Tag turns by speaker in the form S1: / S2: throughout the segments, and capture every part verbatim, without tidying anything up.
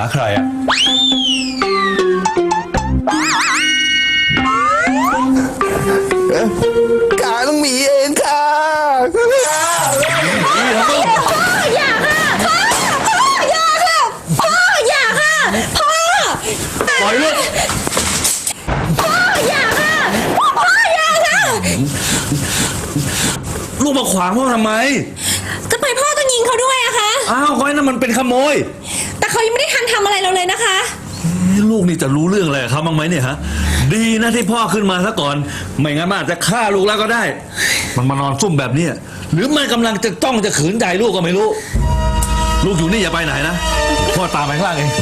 S1: ใครอะ
S2: กาต้องมีเองค่ะ
S3: พ่ออย่าค่ะพ่อพ่ออย่าค่ะพ่ออย่าค่ะพ่อ
S1: ปล่อยลูก
S3: พ่ออย่าค่ะพ่ออย่าค่ะ
S1: ลูกมาขวางพ่อทำไม
S3: ทำไมพ่อต้องยิงเขาด้วยอะคะ
S1: อ้าวก้อยนั่นมันเป็นขโมย
S3: แต่เขายังไม่ได้ทันทำอะไรเราเลยนะคะ
S1: ลูกนี่จะรู้เรื่องอะไรครับบ้างไหมเนี่ยฮะดีนะที่พ่อขึ้นมาซะก่อนไม่งั้นมันอาจจะฆ่าลูกแล้วก็ได้มันมานอนซุ่มแบบนี้หรือมันกำลังจะต้องจะขืนใจลูกก็ไม่รู้ลูกอยู่นี่อย่าไปไหนนะพ่อตามไปข้างล่างเอง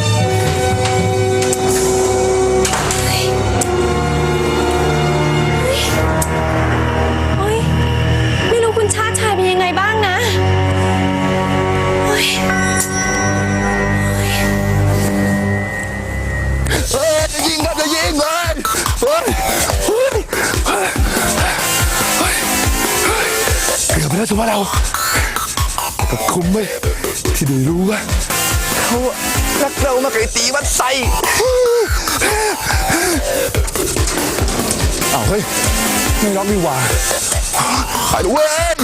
S3: ไม่รู้คุณชาติชายเป็นยังไงบ้างนะ
S2: เฮ้ยจะยิงครับจะยิงเลยเฮ้ยเฮ้ยเกือบไปแล้วถือว่าเรากับคุ้มไหมที่ได้รู้ว่าเขารักเรามากไอ้ตีวัดใส่อ้าวเฮ้ยไม่ล็อกนี่หว่าไปดูเว้ย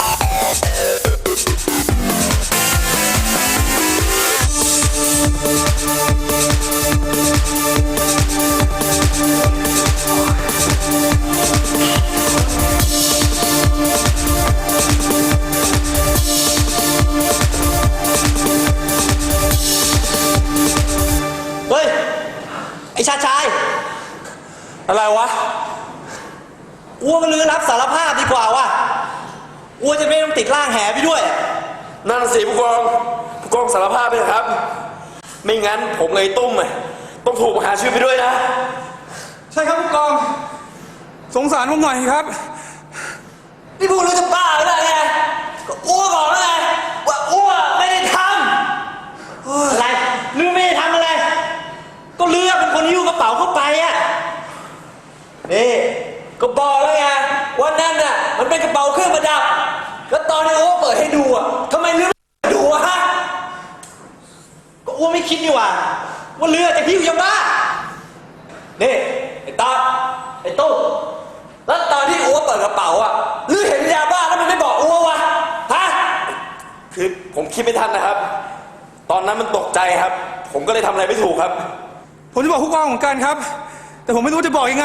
S4: เฮ้ยไอชาชายอะไรวะอ้วก็ลือรับสารภาพดีกว่าว่ะอ้วจะไม่ต้องติดร่างแหไปด้วยนั่นสิผู้กองผู้กองสารภาพไปครับไม่งั้นผมเลยตุ้มต้องถูกหาชื่อไปด้วยนะ
S5: ใช่ครับผู้กองสงสารผมหน่อยครับ
S4: นี่พวกรู้จะบ้าหรือไงก็อ้วบอกแล้วไงว่าอ้วไม่ได้ทำอะไรลือไม่ได้ทำอะไรก็ลือเป็นคนหิ้วกระเป๋าเข้าไปอ่ะนี่ก็บอกแล้วไงว่านั่นน่ะมันเป็นกระเป๋าเครื่องประดับแล้วตอนที่อ้วเปิดให้ดูอ่ะทำไมลือไม่ดูอ่ะฮะก็อ้วไม่คิดนี่หว่าว่าลือจะหิ้วยาบ้านี่ไอ้ตาไอ้ตู้แล้วตอนที่อ้วเปิดกระเป๋าอ่ะลือเห็นยาบ้าแล้วมันไม่บอกอ้ววะฮะคือผมคิดไม่ทันนะครับตอนนั้นมันตกใจครับ ผมก็เลยทำอะไรไม่ถูกครับ
S5: ผมจะบอกผู้กองเหมือนกันครับแต่ผมไม่รู้จะบอกยังไง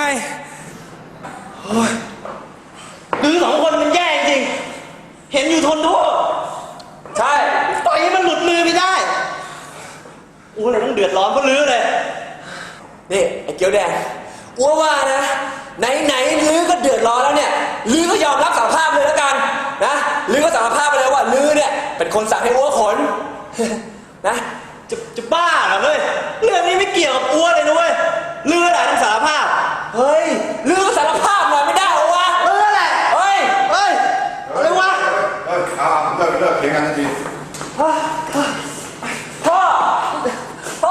S4: ลือสองคนมันแย่จริงเห็นอยู่ทนโทษใช่ปล่อยให้มันหลุดมือไม่ได้อ้วเลยต้องเดือดร้อนเพราะลือเลยนี่ไอ้เกียวแดงอ้วว่านะไหนไหนลือก็เดือดร้อนแล้วเนี่ยลือก็ยอมรับสารภาพเลยแล้วกันนะลือก็สารภาพไปแล้วว่าลือเนี่ยเป็นคนสั่งให้อ้วขนนะจะจะบ้าเหรอเว้ยเรื่องนี้ไม่เกี่ยวกับอ้วเลยนะเว้ยลือแหละต้องสารภาพเฮ้ยลือก็สารภาพหน่อยไม่ได้เหรอวะเออแหละเฮ้ยเฮ้ยอะไรวะ
S2: เฮ้ยอ่าเลิกเลิกเถียงกันทันที
S4: พ่อพ่อพ่อ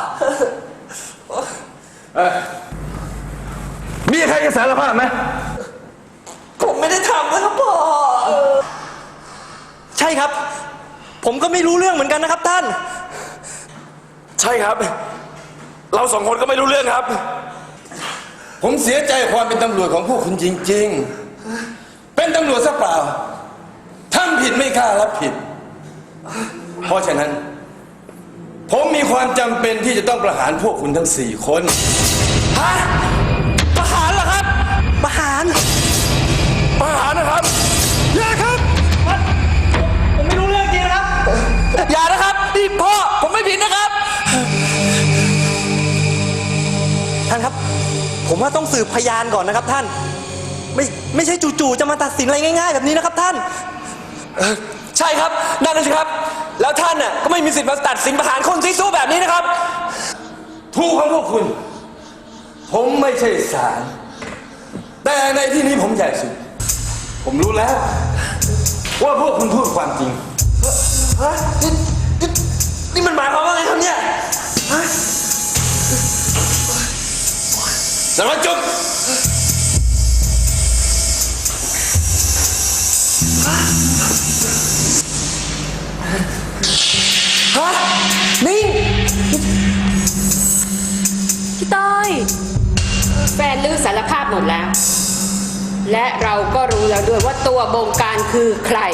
S1: มีใครจะสารภาพไหม
S4: ผมไม่ได้ทำนะครับพ่อใช่ครับผมก็ไม่รู้เรื่องเหมือนกันนะครับท่านใช่ครับเราสองคนก็ไม่รู้เรื่องครับ
S6: ผมเสียใจความเป็นตำรวจของพวกคุณจริงๆเป็นตำรวจซะเปล่าทำผิดไม่กล้ารับผิดเพราะฉะนั้นผมมีความจำเป็นที่จะต้องประหารพวกคุณทั้งสี่คน
S4: ฮะประหารเหรอครับประหารประหารนะครับอย่าครับผมไม่รู้เรื่องจริงนะครับอย่านะครับนี่พ่อผมไม่ผิดนะครับท่านครับผมว่าต้องสืบพยานก่อนนะครับท่านไม่ไม่ใช่จู่ๆจะมาตัดสินอะไรง่ายๆแบบนี้นะครับท่านใช่ครับนั่นนะสิครับแล้วท่านน่ะก็ไม่มีสิทธิ์มาตัดสินประหารคนซีซู้แบบนี้นะครับ
S6: ถูกของพวกคุณผมไม่ใช่ศาลแต่ในที่นี้ผมใหญ่สุดผมรู้แล้วว่าพวกคุณพูดความจริง
S4: ฮะนี่นี่นี่มันหมายความว่าไงครับเนี่ยฮะ
S6: สารวัตรจุ๊บ
S4: ฮะนิ่ง
S7: หมดแล้ว และเราก็รู้แล้วด้วยว่าตัวบงการคือใคร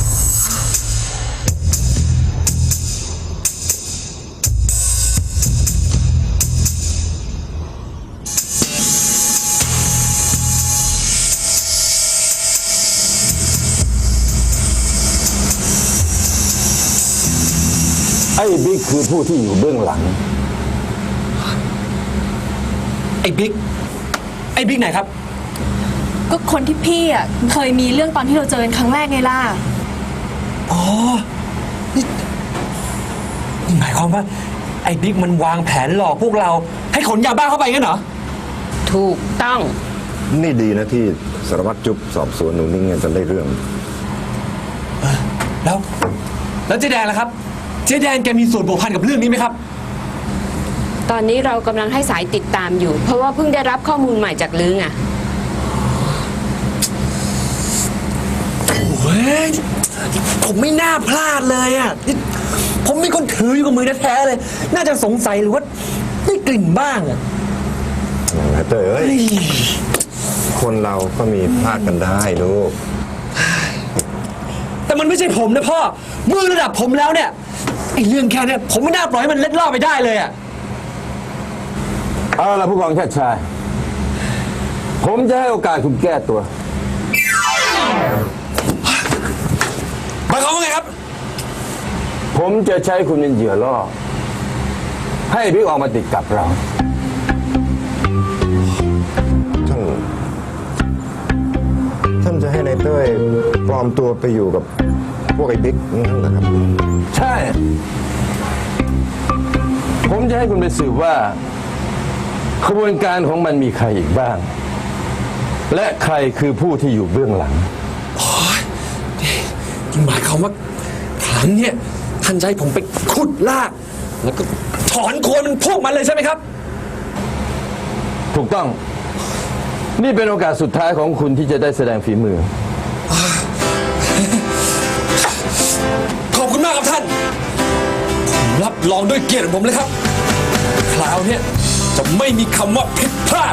S8: ไอ้บิ๊กคือผู้ที่อยู่เบื้องหลัง
S5: ไอ้บิ๊ก ไอ้บิ๊กไหนครับ
S3: ก็คนที่พี่อ่ะเคยมีเรื่องตอนที่เราเจอกันครั้งแรกไงล่ะ
S5: อ๋อ นี่นี่หมายความว่า ไอ้บิ๊กมันวางแผนหลอกพวกเรา ให้ขนยาบ้าเข้าไปงั้นเหรอ
S7: ถูกต้อง
S8: นี่ดีนะที่สารวัตรจุ๊บสอบสวนหนูนิ่งกันจนได้เรื่อง
S5: แล้ว แล้วเจ๊แดงล่ะครับ เจ๊แดงแกมีส่วนผัวพันกับเรื่องนี้ไหมครับ
S7: ตอนนี้เรากำลังให้สายติดตามอยู่ เพราะว่าเพิ่งได้รับข้อมูลใหม่จากลือไง
S5: โอ้ยผมไม่น่าพลาดเลยอ่ะนี่ผมมีคนถืออยู่กับมือแท้ๆเลย น่าจะสงสัยหรือว่าได้กลิ่นบ้างอ่ะ
S8: เต้ยเอ้ย คนเราก็มีพลาดกันได้ลูก
S5: แต่มันไม่ใช่ผมนะพ่อ มือระดับผมแล้วเนี่ยไอ้เรื่องแค่เนี้ยผมไม่น่าปล่อยให้มันเล็ดลอดไปได้เลยอ่ะ
S8: เอาละผู้กองชาติชาย ผมจะให้โอกาสคุณแก้ตัว
S5: หมายความว่าไงครับ
S8: ผมจะใช้คุณเป็นเหยื่อล่อ ให้บิ๊กออกมาติดกับเรา ท่าน ท่านจะให้นายเต้ยปลอมตัวไปอยู่กับพวกไอ้บิ๊กนั่นเหรอครับ ใช่ ผมจะให้คุณไปสืบว่า ขบวนการของมันมีใครอีกบ้าง และใครคือผู้ที่อยู่เบื้องหลัง
S5: หมายความว่าครั้งเนี้ยท่านจะให้ผมไปขุดลาก แล้วก็ถอนโคนมันพวกมันเลยใช่ไหมครับ
S8: ถูกต้อง นี่เป็นโอกาสสุดท้ายของคุณที่จะได้แสดงฝีมือ
S5: ขอบคุณมากครับท่าน ผมรับรองด้วยเกียรติของผมเลยครับ คราวเนี้ยจะไม่มีคำว่าผิดพลาด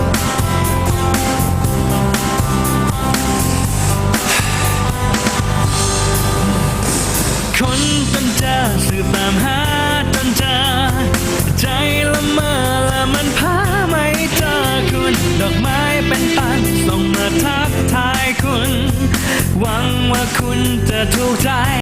S9: คนต้นเจอสืบตามหาต้นเจอใจละเมอและมันพาไม่เจอคุณ ดอกไม้เป็นปันส่งมาทักทายคุณ หวังว่าคุณจะถูกใจ